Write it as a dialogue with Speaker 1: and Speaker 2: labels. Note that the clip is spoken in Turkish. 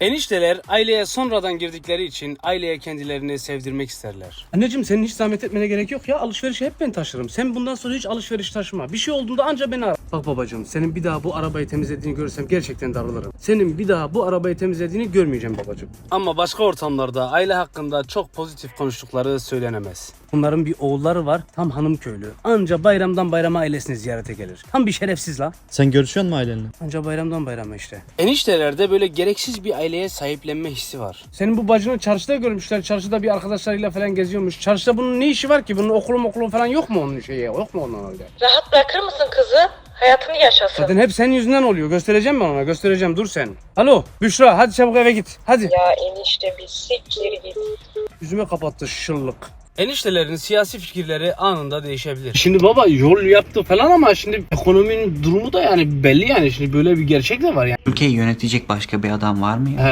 Speaker 1: Enişteler aileye sonradan girdikleri için aileye kendilerini sevdirmek isterler.
Speaker 2: Anneciğim senin hiç zahmet etmene gerek yok ya. Alışverişi hep ben taşırım. Sen bundan sonra hiç alışveriş taşıma. Bir şey olduğunda anca beni ara. Bak babacığım, senin bir daha bu arabayı temizlediğini görsem gerçekten darılırım. Senin bir daha bu arabayı temizlediğini görmeyeceğim babacığım.
Speaker 1: Ama başka ortamlarda aile hakkında çok pozitif konuştukları söylenemez.
Speaker 2: Bunların bir oğulları var, tam hanım köylü. Anca bayramdan bayrama ailesini ziyarete gelir. Tam bir şerefsiz la.
Speaker 3: Sen görüşüyor musun ailenle?
Speaker 2: Anca bayramdan bayrama işte.
Speaker 1: Eniştelerde böyle gereksiz bir aileye sahiplenme hissi var.
Speaker 2: Senin bu bacını çarşıda görmüşler. Çarşıda bir arkadaşlarıyla falan geziyormuş. Çarşıda bunun ne işi var ki? Bunun okulu falan yok mu onun şeyi? Yok mu ondan öyle?
Speaker 4: Rahat bırakır mısın kızı? Hayatını yaşasın.
Speaker 2: Zaten hep senin yüzünden oluyor. Göstereceğim ben ona. Göstereceğim. Dur sen. Alo Büşra, hadi çabuk eve git. Hadi.
Speaker 4: Ya enişte bir siktir git.
Speaker 2: Yüzüme kapattı şıllık.
Speaker 1: Eniştelerin siyasi fikirleri anında değişebilir. Şimdi baba yol yaptı falan ama şimdi ekonominin durumu da yani belli yani. Şimdi böyle bir gerçek de var yani.
Speaker 5: Ülkeyi yönetecek başka bir adam var mı ya?